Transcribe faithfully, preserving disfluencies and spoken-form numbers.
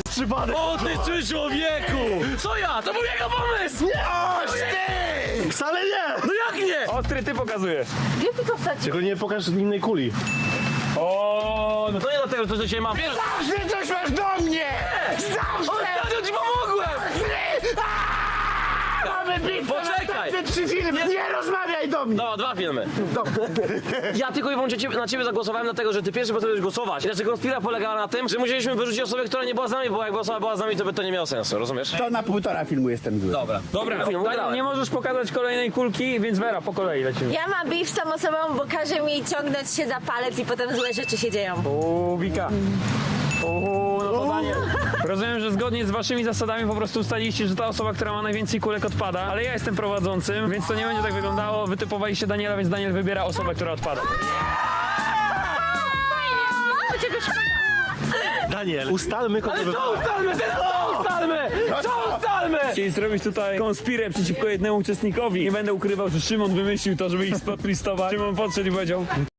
przypadek. O ty ty człowieku! Co ja? To był jego pomysł! Oż ty! Wcale nie! No jak nie? Ostry ty pokazujesz. Gdzie ty to wsadzisz? Tylko nie pokaż innej kuli. O, no No to nie dlatego, że coś do ciebie mam. Wiesz, Zawsze coś masz do mnie! Zawsze! ostatnio ci pomogłem! Mamy bitwę Poczekaj! na te trzy filmy! Nie rozmawiaj do mnie! No, dwa filmy. Ja tylko i wyłącznie ciebie, na ciebie zagłosowałem, dlatego że ty pierwszy potrafisz głosować. I znaczy konspira polegała na tym, że musieliśmy wyrzucić osobę, która nie była z nami, bo jakby osoba była z nami, to by to nie miało sensu, rozumiesz? To na półtora filmu jestem zły. Dobra. dobra, Film Daniel, ugrałem. nie możesz pokazać kolejnej kulki, więc Vera, po kolei lecimy. Ja mam beef z tą osobą, bo każe mi ciągnąć się za palec i potem złe rzeczy się dzieją. Uuu, Wika. Uuu, no to Daniel. Rozumiem, że zgodnie z waszymi zasadami po prostu ustaliliście, że ta osoba, która ma najwięcej kulek odpada, ale ja jestem prowadzącym, więc to nie będzie tak wyglądało. Wytypowaliście Daniela, więc Daniel wybiera osobę, która odpada. Daniel, ustalmy kogo wy... Co ustalmy? Co ustalmy? Co ustalmy? Chcieli zrobić tutaj konspirę przeciwko jednemu uczestnikowi. Nie będę ukrywał, że Szymon wymyślił to, żeby ich spotlistować. Szymon podszedł i powiedział: